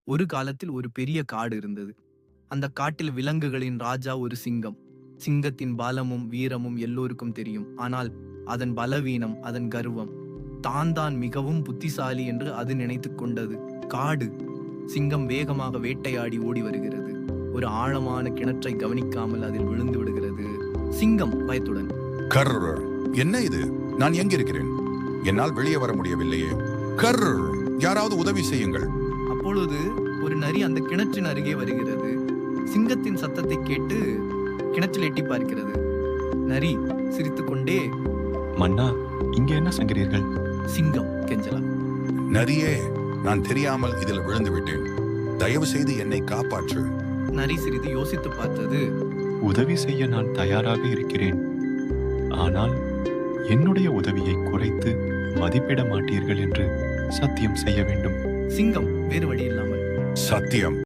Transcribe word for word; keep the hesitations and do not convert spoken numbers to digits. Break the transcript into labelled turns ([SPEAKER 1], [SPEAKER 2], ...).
[SPEAKER 1] ஒரு காலத்தில் ஒரு பெரிய காடு இருந்தது. அந்த காட்டில் விலங்குகளின் ராஜா ஒரு சிங்கம். சிங்கத்தின் பலமும் வீரமும் எல்லோருக்கும் தெரியும். ஆனால் அதன் பலவீனம், அதன் கர்வம், தான் தான் மிகவும் புத்திசாலி என்று அது நினைத்துக் கொண்டது. காடு. சிங்கம் வேகமாக வேட்டையாடி ஓடி வருகிறது. ஒரு ஆழமான கிணற்றை கவனிக்காமல் அதில் விழுந்து விடுகிறது. சிங்கம் பயத்துடன்,
[SPEAKER 2] கர் என்ன இது? நான் எங்கிருக்கிறேன்? என்னால் வெளியே வர முடியவில்லையே. கர் யாராவது உதவி செய்யுங்கள்.
[SPEAKER 1] அப்பொழுது ஒரு நரி அந்த கிணற்றின் அருகே வருகிறது. சிங்கத்தின் சத்தத்தை கேட்டு கிணற்றில் எட்டி பார்க்கிறது. நரி சிரித்துக்கொண்டே,
[SPEAKER 3] மன்னா, இங்கே என்ன செய்கிறீர்கள்?
[SPEAKER 1] சிங்கம் கெஞ்சலா,
[SPEAKER 2] நரியே, நான் தெரியாமல் இதில் விழுந்து விட்டேன். தயவு செய்து என்னை காப்பாற்று.
[SPEAKER 1] நரி சிறிது யோசித்து பார்த்தது.
[SPEAKER 3] உதவி செய்ய நான் தயாராக இருக்கிறேன். ஆனால் என்னுடைய உதவியை குறைத்து மதிப்பிட மாட்டீர்கள் என்று சத்தியம் செய்ய வேண்டும்.
[SPEAKER 1] சிங்கம் வேறு வழி இல்லாமல்,
[SPEAKER 2] சத்தியம்.